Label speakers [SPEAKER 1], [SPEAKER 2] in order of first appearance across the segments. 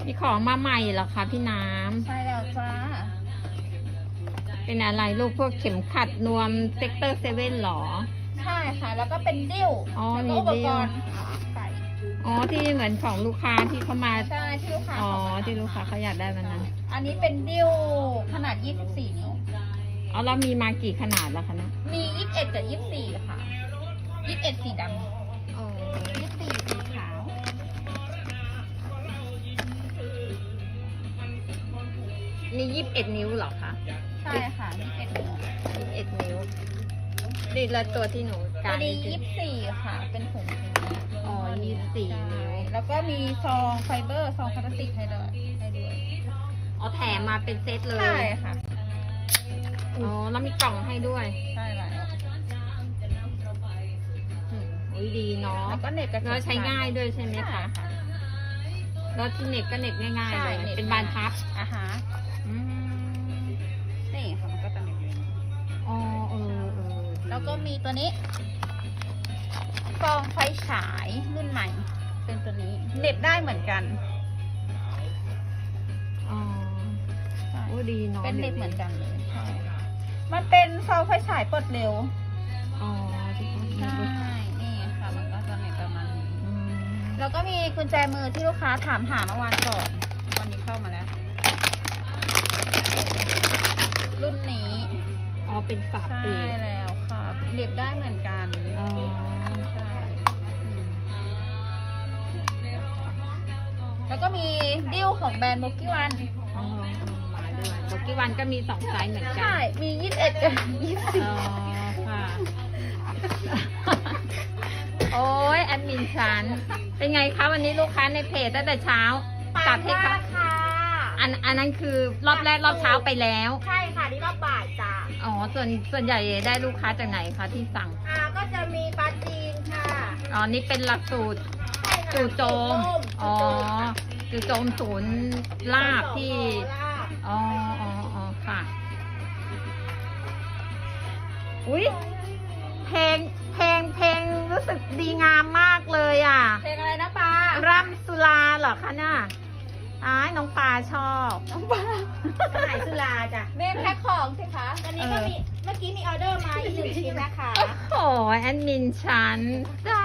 [SPEAKER 1] มีของมาใหม่เหรอคะพี่น้ำ
[SPEAKER 2] ใช่แล้วจ้า
[SPEAKER 1] เป็นอะไรลูกพวกเข็มขัดนวมเซกเตอร์เซเว่นหรอ
[SPEAKER 2] ใช่ค่ะ แล้วก็เป็นดิ้ว
[SPEAKER 1] อ๋อ
[SPEAKER 2] แล้ว
[SPEAKER 1] มี
[SPEAKER 2] ก็อุ
[SPEAKER 1] ดิ้
[SPEAKER 2] ป
[SPEAKER 1] ว
[SPEAKER 2] กรณ์ใส่
[SPEAKER 1] อ๋อที่เหมือนของลูกค้าที่เขามา
[SPEAKER 2] ใช่ที่ลูกค้า
[SPEAKER 1] อ๋อ
[SPEAKER 2] เขามา
[SPEAKER 1] ที่ลูกค้าเขาอยากได้วันนั้น
[SPEAKER 2] อันนี้เป็นดิ้วขนาด 24 นิ้ว
[SPEAKER 1] อ๋อแล้วมีมากี่ขนาดแล้วคะเนะ
[SPEAKER 2] มี 21 กับ 24 ค่ะ 21 สีดำ
[SPEAKER 1] อ๋อ
[SPEAKER 2] 24 สีขาว
[SPEAKER 1] นี่21 นิ้วเหรอคะ
[SPEAKER 2] ใช่ค่ะ 21 นิ้ว
[SPEAKER 1] 21 นิ้วนี่แล้วตัวที่หนู
[SPEAKER 2] ตั
[SPEAKER 1] กาว ร
[SPEAKER 2] นี้ 24 ค่ะ เป็นถุง
[SPEAKER 1] อ๋อ24 นิ้ว
[SPEAKER 2] แล้วก็มีซองไฟเบอร์ ซองพลาสติกให้ด้วย
[SPEAKER 1] อ๋อแถมมาเป็นเซตเลย
[SPEAKER 2] ใช่ค่ะ
[SPEAKER 1] อ๋อแล้วมีกล่องให้ด้วย
[SPEAKER 2] ใช่แล้ว
[SPEAKER 1] อุ้ยดีเนาะ
[SPEAKER 2] แล้วก็เน็ตกับ
[SPEAKER 1] แล้วใช้ง่ายด้วยใช่ไหม
[SPEAKER 2] ใช่
[SPEAKER 1] คะ
[SPEAKER 2] ค่ะ
[SPEAKER 1] แล้วที่เน็ตก็เน็ตง่ายๆ
[SPEAKER 2] ใช่
[SPEAKER 1] เลย
[SPEAKER 2] น็ต
[SPEAKER 1] เป็นบานพับ
[SPEAKER 2] อ่ะฮะ
[SPEAKER 1] อืม
[SPEAKER 2] นี่ค่ะมันก็จะมี
[SPEAKER 1] อ๋อเออ
[SPEAKER 2] แล้วก็มีตัวนี้ซองไฟฉายรุ่นใหม่ เป็นตัวนี้เหน็บได้เหมือนกัน
[SPEAKER 1] อ๋อโอ้ดีเนาะ
[SPEAKER 2] เป็นเหน็บเหมือนกันเลยใช่มันเป็นซองไฟฉายเปิดเร็ว
[SPEAKER 1] อ๋อที่เขา
[SPEAKER 2] ใช่ นี่ค่ะ มันก็จะเหน็บประมาณนี้
[SPEAKER 1] อืม
[SPEAKER 2] แล้วก็มีกุญแจมือที่ลูกค้าถามหาเมื่อวานก่อน วันนี้เข้ามาแล้ว รุ่นนี้
[SPEAKER 1] อ๋อเป็นฝา
[SPEAKER 2] ใช่
[SPEAKER 1] ปิด
[SPEAKER 2] แล้วค่ะเหน็บได้เหมือนกัน
[SPEAKER 1] อ๋อ
[SPEAKER 2] ใช่แล้วก็มีดิ้วของแบรนด์โมกิวัน
[SPEAKER 1] อ๋อมาด้วยโบกี้วันก็มี2 ไซส์เหมือนกั
[SPEAKER 2] ใช่ มี 21 กับ
[SPEAKER 1] อ๋อค่ะ โอ้ยแอดมินฉันเป็นไงคะวันนี้ลูกค้าในเพจตั้งแต่เช้า
[SPEAKER 2] 24
[SPEAKER 1] จัดให้ค่ะ
[SPEAKER 2] ค่ะ
[SPEAKER 1] อันนั้นคือรอบแรกรอบเช้าไปแล้ว
[SPEAKER 2] ใช่ค่ะ นี่รอบบ่ายจ้า
[SPEAKER 1] อ๋อส่วนใหญ่ได้ลูกค้าจากไหนคะที่สั่ง
[SPEAKER 2] ก็จะมีปลาจีนค่ะ
[SPEAKER 1] อ๋อ นี่เป็นหลักสูตรจู่โจม อ๋อ จู่โจมศูนย์ลาบที่ อ๋อค่ะ อุ๊ยเพลงรู้สึกดีงามมากเลยอ่ะ
[SPEAKER 2] เพลงอะไรนะปลา
[SPEAKER 1] ร่ำสุราเหรอคะน่ะอ้ายน้องปลาชอบ
[SPEAKER 2] น้องปลาไหนสุราจ้ะเมนแพ็คของสิคะอันนี้ก็มี เมื่อกี้มีออเดอร์มาอีก1 ชิ้นนะคะ
[SPEAKER 1] โอ้ยแอดมินฉันจ้า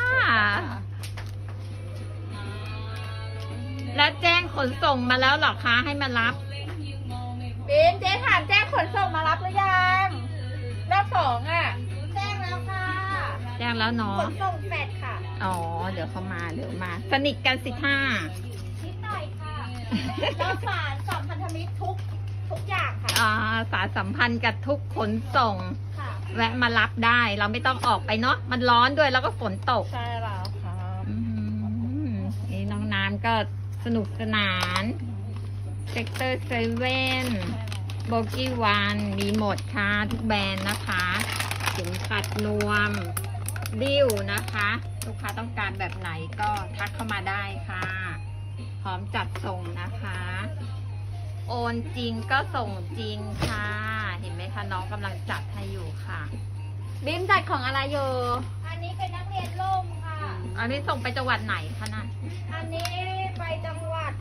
[SPEAKER 1] แล้วแจ้งขนส่งมาแล้วเหรอคะให้มารับ
[SPEAKER 2] ปินเจ๊ถามแจ้งขนส่งมารับหรือยังรอบ2อ่ะ แจ้งแล้วค่ะ
[SPEAKER 1] แจ้งแล้วเนาะ
[SPEAKER 2] ขนส่งแฟดค่ะ
[SPEAKER 1] อ๋อ เดี๋ยวเขามาสนิทกันสิท่า
[SPEAKER 2] นิดหน่อยค่ะเราสารสัมพันธมิตรทุกอย่างค่ะ
[SPEAKER 1] สารสัมพันธ์กับทุกขนส่ง
[SPEAKER 2] ค่ะ
[SPEAKER 1] แวะมารับได้ เราไม่ต้องออกไปเนาะ มันร้อนด้วยแล้วก็ฝนตก
[SPEAKER 2] ใช่แล้วค่ะ
[SPEAKER 1] อืมนี่น้องน้ำก็สนุกสนานเซกเตอร์เซเว่นโบกี้วันมีหมดค่ะทุกแบรนด์นะคะเข็มขัดนวม ดิ้วนะคะ ลูกค้าต้องการแบบไหนก็ทักเข้ามาได้ค่ะ พร้อมจัดส่งนะคะ โอนจริงก็ส่งจริงค่ะ เห็นไหมคะน้องกำลังจัดให้อยู่ค่ะ
[SPEAKER 2] บิมจัดของอะไรอยู่ อันนี้เป็นนักเรียนร่มค่ะ
[SPEAKER 1] อันนี้ส่งไปจังหวัดไหนคะน่ะ
[SPEAKER 2] อันนี้ไปจังหวัด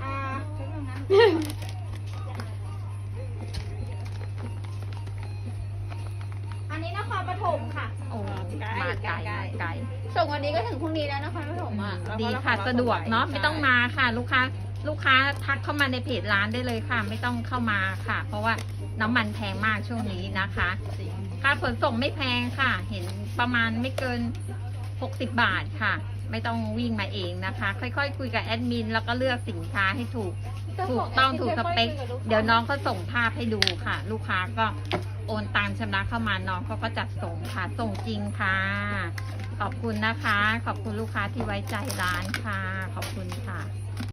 [SPEAKER 2] อันนี้นครปฐมค่ะ
[SPEAKER 1] โอ้มาไกลมาไกล
[SPEAKER 2] ส่งวันนี้ก็ถึงพรุ่งนี้แล้วนครปฐมอ่ะ
[SPEAKER 1] ดีค่ะสะดวกเนาะไม่ต้องมาค่ะ ลูกค้าทักเข้ามาในเพจร้านได้เลยค่ะ ไม่ต้องเข้ามาค่ะ เพราะว่าน้ำมันแพงมากช่วงนี้นะคะค่าขนส่งไม่แพงค่ะ เห็นประมาณไม่เกิน60 บาทค่ะ ไม่ต้องวิ่งมาเองนะคะ ค่อยๆคุยกับแอดมินแล้วก็เลือกสินค้าให้ถูกต้องถูกสเปคเดี๋ยวน้องเขาส่งภาพให้ดูค่ะ ลูกค้าก็โอนตังชำระเข้ามาน้องเขาก็จัดส่งค่ะ ส่งจริงค่ะ ขอบคุณนะคะ ขอบคุณลูกค้าที่ไว้ใจร้านค่ะ ขอบคุณค่ะ